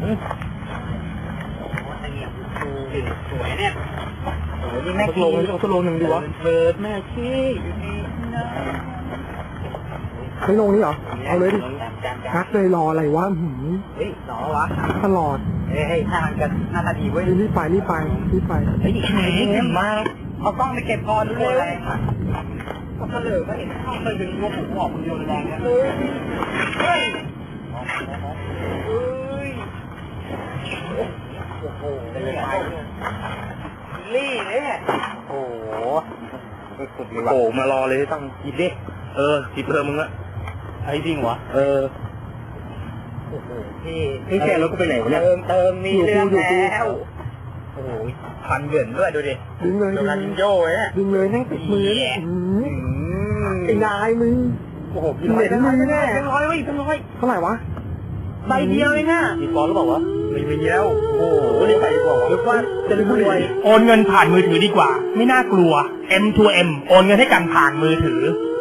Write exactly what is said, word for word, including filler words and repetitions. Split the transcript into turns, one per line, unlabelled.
สวยเนี่ยโอ้ยนี่แม่
สักโลนึงสักโลหนึ่งดีวะ
เปิดแม่ขี้อยู่นี่นะ
ไม่ลงนี่เหรอเอาเลยดิฮักเลยรออะไรวะหืม
เฮ้ยหนอวะ
ตลอด
เฮ้ยหน้ามันกันหน้าตาดีเว้ย
รีบไปรีบไปรีบไป
เฮ้ยไหนเห็นมาเอากล้องไปเก็บก่อนดูเลยก็เฉลยก็เห็นเข้าไปดึงหัวผมออกมันโยนแรงเนี่ยเฮ้ยเฮ้ยโอ้โหเป็นไงลี่เนี่ยโอ้โหสุดเลยว่ะ
โอ้มารอเลยตั้ง
หยิบดิ
เออหยิบเพิ่มมึงอะ
ไอ้จริงวะ
เออ
โอ้โหพี่
นี่แค่รถก็ไปไหนวะเนี่ย
เติมเติมมีเรื่องแล้วโอ้โหพันเหยื่อนด้วยดูดิ
ดึงเลย
โด
ดึง
นันโย่เนี่ย
ดึงเลยนั่งติดมือเนี่ยไอ้นายมึง
โอ้โห
เหม็นมือแน่
เป็นร้อยเว้ยเป็นร้อย
เท่าไหร่วะ
ใบเดียวเองอ่ะ
มีฟอนหรือเปล่าวะ
ไม่มีแล้ว
โอ้โหรีบไปดีกว่าวะ
นึกว่าจะรวย
โอนเงินผ่านมือถือดีกว่า ไม่น่ากลัว เอ็ม ทู เอ็ม โอนเงินให้กันผ่านมือถือ